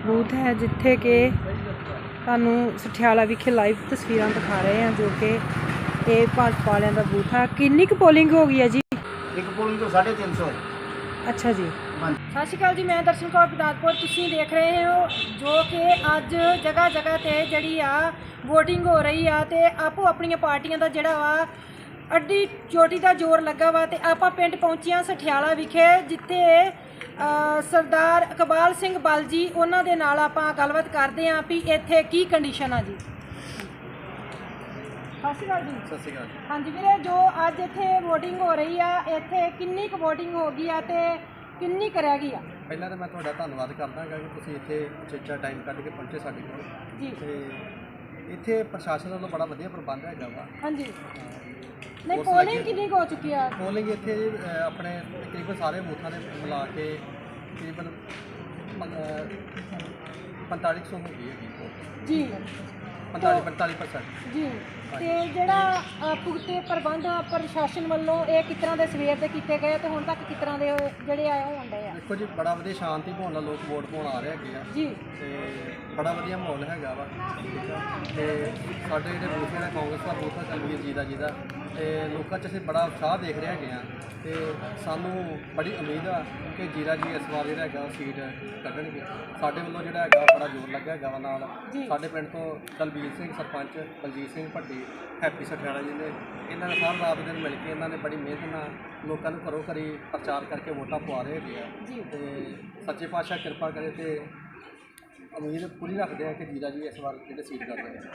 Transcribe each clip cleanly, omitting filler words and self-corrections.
Booth ਹੈ ਜਿੱਥੇ ਕਿ ਤੁਹਾਨੂੰ ਸਠਿਆਲਾ ਵਿਖੇ ਲਾਈਵ ਤਸਵੀਰਾਂ ਦਿਖਾ ਰਹੇ ਹਾਂ ਜੋ ਕਿ ਇਹ ਭਾਜਪਾ ਵਾਲਿਆਂ ਦਾ ਬੂਥ ਹੈ। ਕਿੰਨੀ ਕੁ ਪੋਲਿੰਗ ਹੋ ਗਈ ਹੈ ਜੀ? ਇੱਕ ਪੋਲਿੰਗ ਤੋਂ 350 ਹੈ। ਅੱਛਾ ਜੀ। ਸਤਿ ਸ਼੍ਰੀ ਅਕਾਲ ਜੀ, ਮੈਂ ਦਰਸ਼ਨ ਕੌਰ ਬਿਦਾਤਪੁਰ। ਤੁਸੀਂ ਦੇਖ ਰਹੇ ਹੋ ਜੋ ਕਿ ਅੱਜ ਜਗ੍ਹਾ ਜਗ੍ਹਾ ਤੇ ਜਿਹੜੀ ਆ ਵੋਟਿੰਗ ਹੋ ਰਹੀ ਆ ਤੇ ਆਪੋ ਆਪਣੀਆਂ ਪਾਰਟੀਆਂ ਦਾ ਜਿਹੜਾ ਵਾ ਅੱਡੀ ਚੋਟੀ ਦਾ ਜ਼ੋਰ ਲੱਗਾ ਵਾ ਤੇ ਆਪਾਂ ਪਿੰਡ ਪਹੁੰਚੀਆਂ ਸਠਿਆਲਾ ਵਿਖੇ ਜਿੱਥੇ ਸਰਦਾਰ ਇਕਬਾਲ ਸਿੰਘ ਬਲ ਜੀ ਉਹਨਾਂ ਦੇ ਨਾਲ ਆਪਾਂ ਗੱਲਬਾਤ ਕਰਦੇ ਹਾਂ ਵੀ ਇੱਥੇ ਕੀ ਕੰਡੀਸ਼ਨ ਆ ਜੀ। ਸਤਿ ਸ਼੍ਰੀ ਅਕਾਲ ਜੀ। ਸਤਿ ਸ਼੍ਰੀ ਅਕਾਲ। ਹਾਂਜੀ ਵੀਰੇ, ਜੋ ਅੱਜ ਇੱਥੇ ਵੋਟਿੰਗ ਹੋ ਰਹੀ ਆ ਇੱਥੇ ਕਿੰਨੀ ਕੁ ਵੋਟਿੰਗ ਹੋ ਗਈ ਆ ਤੇ ਕਿੰਨੀ ਕੁ ਰਹਿ ਗਈ ਆ? ਪਹਿਲਾਂ ਤਾਂ ਮੈਂ ਤੁਹਾਡਾ ਧੰਨਵਾਦ ਕਰਦਾ ਹਾਂ ਕਿ ਤੁਸੀਂ ਇੱਥੇ ਉਚੇਚਾ ਟਾਈਮ ਕੱਢ ਕੇ ਪਹੁੰਚੇ ਸਾਡੇ ਕੋਲ ਜੀ। ਤੇ ਇੱਥੇ ਪ੍ਰਸ਼ਾਸਨ ਵੱਲੋਂ ਬੜਾ ਵਧੀਆ ਪ੍ਰਬੰਧ ਹੈਗਾ ਵਾ। ਹਾਂਜੀ। ਨਹੀਂ, ਪੋਲਿੰਗ ਕਿੰਨੀ ਕੁ ਹੋ ਚੁੱਕੀ ਆ? ਪੋਲਿੰਗ ਇੱਥੇ ਜੀ ਆਪਣੇ ਤਕਰੀਬਨ ਸਾਰੇ ਬੂਥਾਂ ਦੇ ਮਿਲਾ ਕੇ ਤਕਰੀਬਨ 4500 ਹੋ ਗਈ ਹੈਗੀ ਜੀ। 45% ਜੀ। ਤੇ ਜਿਹੜਾ ਪੁਖਤੇ ਪ੍ਰਬੰਧ ਪ੍ਰਸ਼ਾਸਨ ਵੱਲੋਂ ਇਹ ਕਿਸ ਤਰ੍ਹਾਂ ਦੇ ਸਵੇਰ ਦੇ ਕੀਤੇ ਗਏ ਤੇ ਹੁਣ ਤੱਕ ਕਿਸ ਤਰ੍ਹਾਂ ਦੇ ਜਿਹੜੇ ਆਏ ਹੋਣ ਡਏ ਆ? ਦੇਖੋ ਜੀ, ਬੜਾ ਵਧੀਆ ਸ਼ਾਂਤੀ ਮਾਹੌਲ ਨਾਲ ਲੋਕ ਵੋਟ ਪਾਉਣ ਆ ਰਹੇ ਹੈਗੇ ਆ ਜੀ। ਤੇ ਬੜਾ ਵਧੀਆ ਮਾਹੌਲ ਹੈਗਾ ਵਾ। ਠੀਕ ਆ। ਤੇ ਸਾਡੇ ਜਿਹੜੇ ਬੂਥ ਦਾ ਕਾਂਗਰਸ ਦਾ ਬੂਥ ਆ ਚੰਗੀ ਜੀ ਦਾ ਤੇ ਲੋਕਾਂ 'ਚ ਅਸੀਂ ਬੜਾ ਉਤਸ਼ਾਹ ਦੇਖ ਰਹੇ ਹੈਗੇ ਆ ਤੇ ਸਾਨੂੰ ਬੜੀ ਉਮੀਦ ਆ ਕਿ ਜੀਰਾ ਜੀ ਇਸ ਵਾਰ ਜਿਹੜਾ ਹੈਗਾ ਸੀਟ ਕੱਢਣਗੇ। ਸਾਡੇ ਵੱਲੋਂ ਜਿਹੜਾ ਹੈਗਾ ਬੜਾ ਜ਼ੋਰ ਲੱਗਾ ਹੈਗਾ ਵਾ। ਨਾਲ ਸਾਡੇ ਪਿੰਡ ਤੋਂ ਦਲਬੀਰ ਸਿੰਘ ਸਰਪੰਚ, ਬਲਜੀਤ ਸਿੰਘ ਭੱਟੀ, ਹੈਪੀ ਸਠਿਆਲਾ ਜੀ ਨੇ ਇਹਨਾਂ ਨੇ ਸਾਰਾ ਰਾਤ ਦਿਨ ਮਿਲ ਕੇ ਇਹਨਾਂ ਨੇ ਬੜੀ ਮਿਹਨਤ ਨਾਲ ਲੋਕਾਂ ਨੂੰ ਘਰੋਂ ਘਰੀ ਪ੍ਰਚਾਰ ਕਰਕੇ ਵੋਟਾਂ ਪਵਾ ਰਹੇ ਹੈਗੇ ਆ ਤੇ ਸੱਚੇ ਪਾਤਸ਼ਾਹ ਕਿਰਪਾ ਕਰੇ ਤੇ ਉਮੀਦ ਪੂਰੀ ਰੱਖਦੇ ਆ ਕਿ ਜੀਰਾ ਜੀ ਇਸ ਵਾਰ ਜਿਹੜੇ ਸੀਟ ਕਰਦੇ ਨੇ।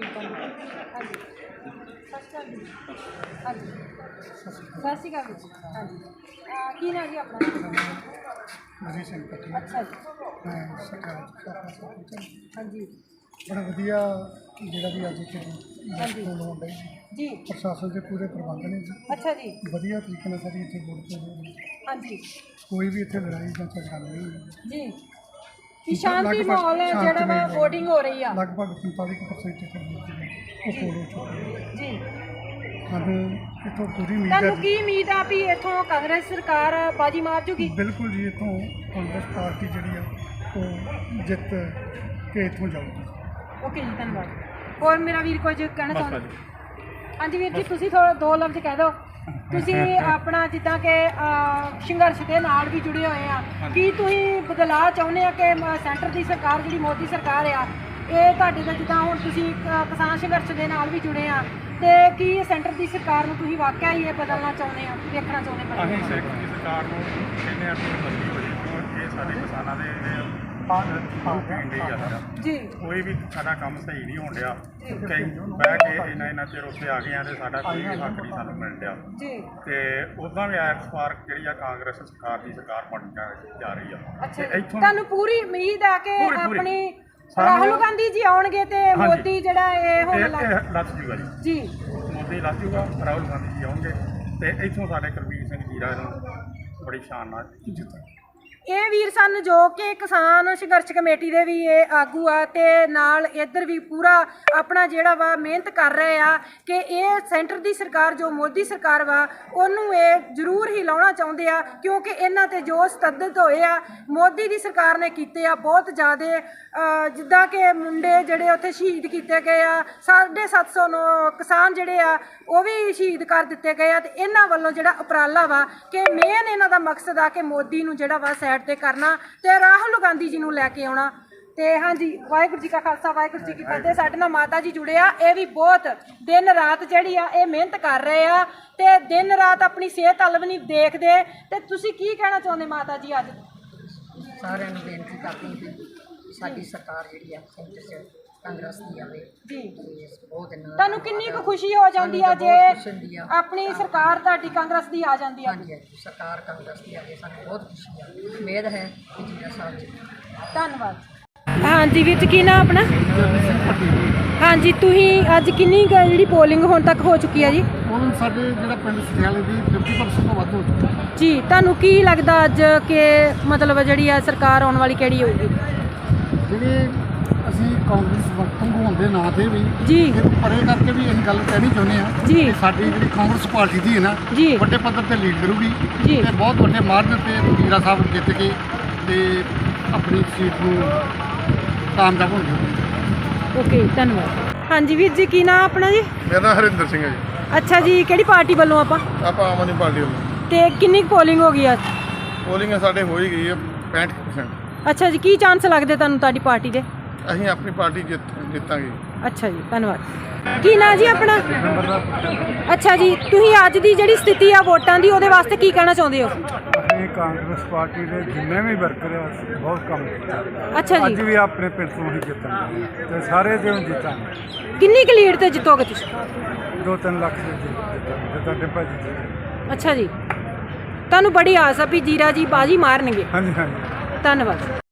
ਹਾਂਜੀ। ਸਤਿ ਸ਼੍ਰੀ ਅਕਾਲ ਜੀ। ਹਾਂਜੀ। ਕੀ ਨਾਮ ਜੀ ਆਪਣਾ? ਬਲਜੀਤ ਸਿੰਘ ਭੱਟੀ। ਅੱਛਾ ਜੀ। ਮੈਂ ਸਰਕਾਰ ਹਾਂਜੀ। ਬੜਾ ਵਧੀਆ ਜਿਹੜਾ ਵੀ ਅੱਜ ਇੱਥੇ ਹਾਂਜੀ। ਹੋਣ ਡਈ ਜੀ। ਪ੍ਰਸ਼ਾਸਨ ਦੇ ਪੂਰੇ ਪ੍ਰਬੰਧ ਨੇ ਜੀ। ਅੱਛਾ ਜੀ। ਵਧੀਆ ਤਰੀਕੇ ਨਾਲ ਸਾਡੀ ਇੱਥੇ ਵੋਟ ਪੈ ਰਹੀ ਹੈ। ਹਾਂਜੀ। ਕੋਈ ਵੀ ਇੱਥੇ ਲੜਾਈ ਜਾਂ ਝਗੜਾ ਨਹੀਂ ਹੋਈ। ਜੀ। ਕਿ ਸ਼ਾਂਤੀ ਮਾਹੌਲ ਹੈ ਜਿਹੜਾ ਵਾ ਵੋਟਿੰਗ ਹੋ ਰਹੀ ਆ। ਲਗਭਗ 45% ਇੱਥੇ ਵੋਟ ਜਿਹੜੀ ਉਹ ਪੋਲ ਹੋ ਚੁੱਕੀ ਹੈ। ਜੀ। ਸਾਨੂੰ ਇੱਥੋਂ ਪੂਰੀ ਉਮੀਦ ਹੈ। ਤੁਹਾਨੂੰ ਕੀ ਉਮੀਦ ਆ ਵੀ ਇੱਥੋਂ ਕਾਂਗਰਸ ਸਰਕਾਰ ਬਾਜੀ ਮਾਰ ਜੂਗੀ? ਬਿਲਕੁਲ ਜੀ, ਇੱਥੋਂ ਕਾਂਗਰਸ ਪਾਰਟੀ ਜਿਹੜੀ ਆ ਉਹ ਜਿੱਤ ਕੇ ਇੱਥੋਂ ਜਾਊਗੀ। ਓਕੇ ਜੀ, ਧੰਨਵਾਦ। ਹੋਰ ਮੇਰਾ ਵੀਰ ਕੁਝ ਕਹਿਣਾ ਚਾਹੁੰਦਾ? ਹਾਂਜੀ ਵੀਰ ਜੀ, ਤੁਸੀਂ ਥੋੜਾ ਦੋ ਲਫ਼ਜ਼ ਕਹਿ ਦਿਓ। ਤੁਸੀਂ ਆਪਣਾ ਜਿੱਦਾਂ ਕਿ ਸੰਘਰਸ਼ ਦੇ ਨਾਲ ਵੀ ਜੁੜੇ ਹੋਏ ਆ, ਕੀ ਤੁਸੀਂ ਬਦਲਾਅ ਚਾਹੁੰਦੇ ਆ ਕਿ ਸੈਂਟਰ ਦੀ ਸਰਕਾਰ ਜਿਹੜੀ ਮੋਦੀ ਸਰਕਾਰ ਆ ਇਹ ਤੁਹਾਡੇ ਦਾ ਜਿੱਦਾਂ ਹੁਣ ਤੁਸੀਂ ਕਿਸਾਨ ਸੰਘਰਸ਼ ਦੇ ਨਾਲ ਵੀ ਜੁੜੇ ਆ ਤੇ ਕੀ ਸੈਂਟਰ ਦੀ ਸਰਕਾਰ ਨੂੰ ਤੁਸੀਂ ਵਾਕਿਆ ਹੀ ਇਹ ਬਦਲਣਾ ਚਾਹੁੰਦੇ ਆ, ਦੇਖਣਾ ਚਾਹੁੰਦੇ? ਅਸੀਂ ਸੈਂਟਰ ਦੀ ਸਰਕਾਰ ਨੂੰ ਕਹਿੰਦੇ ਆ ਕਿ ਬਦਲੀ ਹੋਈ ਕਿਉਂ ਇਹ ਸਾਡੇ ਕਿਸਾਨਾਂ ਦੇ ਜੀ। ਕੋਈ ਵੀ ਸਾਡਾ ਕੰਮ ਸਹੀ ਨਹੀਂ ਹੋਣ ਡਿਆ। ਕਈ ਬਹਿ ਕੇ ਇੰਨਾ ਚਿਰ ਉੱਥੇ ਆ ਗਏ ਆ ਤੇ ਸਾਡਾ ਕੋਈ ਵੀ ਹੱਕ ਨਹੀਂ ਸਾਨੂੰ ਮਿਲ ਰਿਹਾ ਜੀ। ਤੇ ਉੱਦਾਂ ਵੀ ਇਸ ਵਾਰ ਜਿਹੜੀ ਆ ਕਾਂਗਰਸ ਸਰਕਾਰ ਦੀ ਸਰਕਾਰ ਬਣ ਜਾ ਰਹੀ ਆ। ਅੱਛਾ ਤੇ ਜੀ। ਇੱਥੋਂ ਤੁਹਾਨੂੰ ਪੂਰੀ ਉਮੀਦ ਆ ਕਿ ਪੂਰੀ। ਆਪਣੀ ਰਾਹੁਲ ਗਾਂਧੀ ਜੀ ਆਉਣਗੇ ਤੇ ਮੋਦੀ ਜਿਹੜਾ ਇਹ ਹੁਣ ਲੱਥ ਜੂਗਾ ਜੀ। ਮੋਦੀ ਲੱਥ ਜੂਗਾ, ਰਾਹੁਲ ਗਾਂਧੀ ਜੀ ਆਉਣਗੇ ਤੇ ਇੱਥੋਂ ਸਾਡੇ ਕੁਲਬੀਰ ਸਿੰਘ ਜੀਰਾ ਨੂੰ ਬੜੀ ਸ਼ਾਨ ਨਾਲ ਜਿੱਤਾਂ। ਇਹ ਵੀਰ ਸਨ ਜੋ ਕਿ ਕਿਸਾਨ ਸੰਘਰਸ਼ ਕਮੇਟੀ ਦੇ ਵੀ ਇਹ ਆਗੂ ਆ ਤੇ ਨਾਲ ਇੱਧਰ ਵੀ ਪੂਰਾ ਆਪਣਾ ਜਿਹੜਾ ਵਾ ਮਿਹਨਤ ਕਰ ਰਹੇ ਆ ਕਿ ਇਹ ਸੈਂਟਰ ਦੀ ਸਰਕਾਰ ਜੋ ਮੋਦੀ ਸਰਕਾਰ ਵਾ ਉਹਨੂੰ ਇਹ ਜ਼ਰੂਰ ਹੀ ਲਾਉਣਾ ਚਾਹੁੰਦੇ ਆ ਕਿਉਂਕਿ ਇਹਨਾਂ ਤੇ ਜੋ ਸਤੱਦਤ ਹੋਏ ਆ ਮੋਦੀ ਦੀ ਸਰਕਾਰ ਨੇ ਕੀਤੇ ਆ ਬਹੁਤ ਜ਼ਿਆਦਾ। ਜਿੱਦਾਂ ਕਿ ਮੁੰਡੇ ਜਿਹੜੇ ਉੱਥੇ ਸ਼ਹੀਦ ਕੀਤੇ ਗਏ ਆ, 750 ਕਿਸਾਨ ਜਿਹੜੇ ਆ ਉਹ ਵੀ ਸ਼ਹੀਦ ਕਰ ਦਿੱਤੇ ਗਏ ਆ ਤੇ ਇਹਨਾਂ ਵੱਲੋਂ ਜਿਹੜਾ ਉਪਰਾਲਾ ਵਾ ਕਿ ਮੇਨ ਇਹਨਾਂ ਦਾ ਮਕਸਦ ਆ ਕਿ ਮੋਦੀ ਨੂੰ ਜਿਹੜਾ ਵਾ ਤੇ ਕਰਨਾ ਤੇ ਰਾਹੁਲ ਗਾਂਧੀ ਜੀ ਨੂੰ ਲੈ ਕੇ ਆਉਣਾ। ਤੇ ਹਾਂਜੀ, ਵਾਹਿਗੁਰੂ ਜੀ ਕਾ ਖਾਲਸਾ ਵਾਹਿਗੁਰੂ ਜੀ ਕੀ ਫਤਿਹ। ਸਾਡੇ ਨਾਲ ਮਾਤਾ ਜੀ ਜੁੜੇ ਆ, ਇਹ ਵੀ ਬਹੁਤ ਦਿਨ ਰਾਤ ਜਿਹੜੀ ਆ ਇਹ ਮਿਹਨਤ ਕਰ ਰਹੇ ਆ ਤੇ ਦਿਨ ਰਾਤ ਆਪਣੀ ਸਿਹਤ ਵੱਲ ਵੀ ਨਹੀਂ ਦੇਖਦੇ। ਤੇ ਤੁਸੀਂ ਕੀ ਕਹਿਣਾ ਚਾਹੁੰਦੇ ਮਾਤਾ ਜੀ? ਅੱਜ ਸਾਰਿਆਂ ਨੂੰ ਬੇਨਤੀ ਕਰਦੀ ਹਾਂ ਸਾਡੀ ਸਰਕਾਰ ਜਿਹੜੀ ਆ ਸੈਂਟਰ 'ਚ ਕਾਂਗਰਸ ਦੀ ਆਵੇ ਜੀ। ਬਹੁਤ ਤੁਹਾਨੂੰ ਕਿੰਨੀ ਕੁ ਖੁਸ਼ੀ ਹੋ ਜਾਂਦੀ ਆ ਜੇ ਆਪਣੀ ਸਰਕਾਰ ਤੁਹਾਡੀ ਕਾਂਗਰਸ ਦੀ ਆ ਜਾਂਦੀ ਆ? ਹਾਂਜੀ, ਸਰਕਾਰ ਕਾਂਗਰਸ ਦੀ ਆਵੇ ਸਾਨੂੰ ਬਹੁਤ ਖੁਸ਼ੀ ਆ। ਉਮੀਦ ਹੈ ਕਿ ਜੀਰਾ ਸਾਹਿਬ ਜੀ। ਧੰਨਵਾਦ। ਹਾਂਜੀ ਵੀਰ ਜੀ, ਕੀ ਨਾਮ ਆਪਣਾ? ਹਾਂਜੀ, ਤੁਸੀਂ ਅੱਜ ਕਿੰਨੀ ਜਿਹੜੀ ਪੋਲਿੰਗ ਹੁਣ ਤੱਕ ਹੋ ਚੁੱਕੀ ਆ ਜੀ? ਹੁਣ ਸਾਡੇ ਜਿਹੜਾ ਪਿੰਡ ਸਠਿਆਲੇ ਦੀ 50% ਤੋਂ ਵੱਧ ਹੋ ਚੁੱਕੀ ਹੈ ਜੀ। ਤੁਹਾਨੂੰ ਕੀ ਲੱਗਦਾ ਅੱਜ ਕਿ ਮਤਲਬ ਜਿਹੜੀ ਆ ਸਰਕਾਰ ਆਉਣ ਵਾਲੀ ਕਿਹੜੀ ਹੋਊਗੀ? ਜਿਹੜੇ ਅਸੀਂ ਕਾਂਗਰਸ ਵਕਤ ਹੋਣ ਦੇ ਨਾਂ ਤੇ ਵੀ ਜੀ ਪਰੇ ਕਰਕੇ ਵੀ ਇਹ ਗੱਲ ਕਹਿਣੀ ਚਾਹੁੰਦੇ ਹਾਂ ਜੀ ਕਿ ਸਾਡੀ ਜਿਹੜੀ ਕਾਂਗਰਸ ਪਾਰਟੀ ਦੀ ਹੈ ਨਾ ਜੀ ਵੱਡੇ ਪੱਧਰ ਤੇ ਲੀਡ ਕਰੂਗੀ ਜੀ ਤੇ ਬਹੁਤ ਵੱਡੇ ਮਾਰਜਨ ਤੇ ਜੀਰਾ ਸਾਹਿਬ ਜਿੱਤ ਕੇ ਤੇ ਆਪਣੀ ਸੀਟ ਨੂੰ ਕਾਮਯਾਬ ਹੋਣਗੇ। ਓਕੇ ਧੰਨਵਾਦ। ਹਾਂਜੀ ਵੀਰ ਜੀ, ਕੀ ਨਾਮ ਆਪਣਾ ਜੀ? ਮੇਰਾ ਨਾਮ ਹਰਿੰਦਰ ਸਿੰਘ ਹੈ ਜੀ। ਅੱਛਾ ਜੀ, ਕਿਹੜੀ ਪਾਰਟੀ ਵੱਲੋਂ ਆਪਾਂ? ਆਪਾਂ ਆਮ ਆਦਮੀ ਪਾਰਟੀ ਵੱਲੋਂ। ਤੇ ਕਿੰਨੀ ਪੋਲਿੰਗ ਹੋ ਗਈ ਅੱਜ? ਪੋਲਿੰਗ ਸਾਡੇ ਹੋ ਹੀ ਗਈ ਹੈ 65%। ਅੱਛਾ ਜੀ, ਕੀ ਚਾਂਸ ਲੱਗਦੇ ਤੁਹਾਨੂੰ ਤੁਹਾਡੀ ਪਾਰਟੀ ਦੇ? ਅਸੀਂ ਆਪਣੀ ਪਾਰਟੀ ਜਿੱਤਾਂਗੇ। ਅੱਛਾ ਜੀ, ਧੰਨਵਾਦ। ਕੀ ਨਾਂ ਜੀ ਆਪਣਾ? ਅੱਛਾ ਜੀ, ਤੁਸੀਂ ਅੱਜ ਦੀ ਜਿਹੜੀ ਸਥਿਤੀ ਆ ਵੋਟਾਂ ਦੀ, ਉਹਦੇ ਵਾਸਤੇ ਕੀ ਕਹਿਣਾ ਚਾਹੁੰਦੇ ਹੋ? ਅਸੀਂ ਕਾਂਗਰਸ ਪਾਰਟੀ ਦੇ ਜਿੰਨੇ ਵੀ ਵਰਕਰ ਆ ਬਹੁਤ ਕੰਮ ਕੀਤਾ। ਅੱਛਾ ਅੱਜ ਜੀ, ਵੀ ਆਪਣੇ ਪਿੰਡ ਤੋਂ ਹੀ ਜਿੱਤਾਂਗੇ ਤੇ ਸਾਰੇ ਦਿਨ ਜਿੱਤਾਂਗੇ। ਕਿੰਨੀ ਕੁ ਲੀਡ ਤੇ ਜਿੱਤੋਗੇ ਤੁਸੀਂ? 2-3 ਲੱਖ ਦੇ ਜਿੱਤਾਂਗੇ ਤੁਹਾਡੇ ਭਾਜੀ। ਅੱਛਾ ਜੀ, ਤੁਹਾਨੂੰ ਬੜੀ ਆਸ ਆ ਵੀ ਜੀਰਾ ਜੀ ਬਾਜੀ ਮਾਰਨਗੇ। ਹਾਂਜੀ ਹਾਂਜੀ। ਧੰਨਵਾਦ।